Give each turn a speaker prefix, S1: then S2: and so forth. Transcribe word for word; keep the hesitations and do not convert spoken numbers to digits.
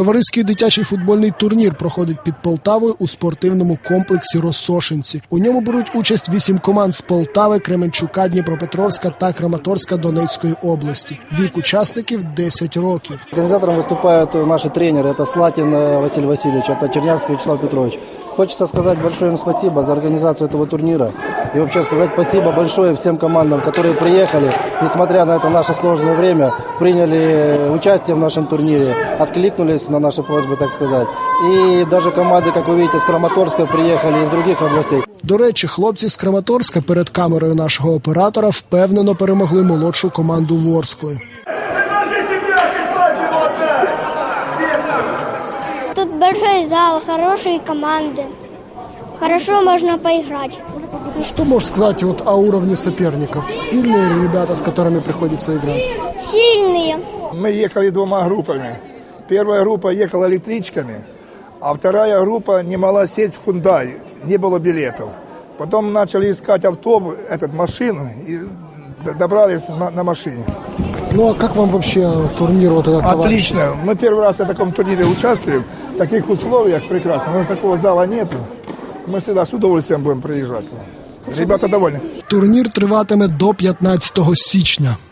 S1: Товариський дитячий футбольний турнір проходить під Полтавою у спортивному комплексі «Росошинці». У ньому беруть участь вісім команд з Полтави, Кременчука, Дніпропетровська та Краматорська Донецької області. Вік учасників – десять років.
S2: Организатором выступают наши тренеры. Это Слатин Василий Васильевич, это Чернявский Вячеслав Петрович. Хочется сказать большое им спасибо за организацию этого турнира. И вообще сказать спасибо большое всем командам, которые приехали, несмотря на это наше сложное время, приняли участие в нашем турнире, откликнулись на наши просьбы, так сказать. И даже команды, как вы видите, с Краматорска приехали, из других областей.
S1: До речі, хлопці з Краматорська перед камерою нашого оператора впевнено перемогли молодшу команду Ворскли.
S3: Тут большой зал, хорошие команды. Хорошо можно поиграть.
S1: Что можешь сказать вот о уровне соперников? Сильные ребята, с которыми приходится играть?
S3: Сильные.
S4: Мы ехали двумя группами. Первая группа ехала электричками, а вторая группа не могла сесть в Hyundai, не было билетов. Потом начали искать автобус, этот, машину, и добрались на, на машине.
S1: Ну а как вам вообще турнир вот этот?
S4: Отлично. Товарищ? Мы первый раз в таком турнире участвуем. В таких условиях прекрасно. У нас такого зала нету. Мы всегда с удовольствием будем приезжать. Ребята довольны.
S1: Турнір триватиме до п'ятнадцятого січня.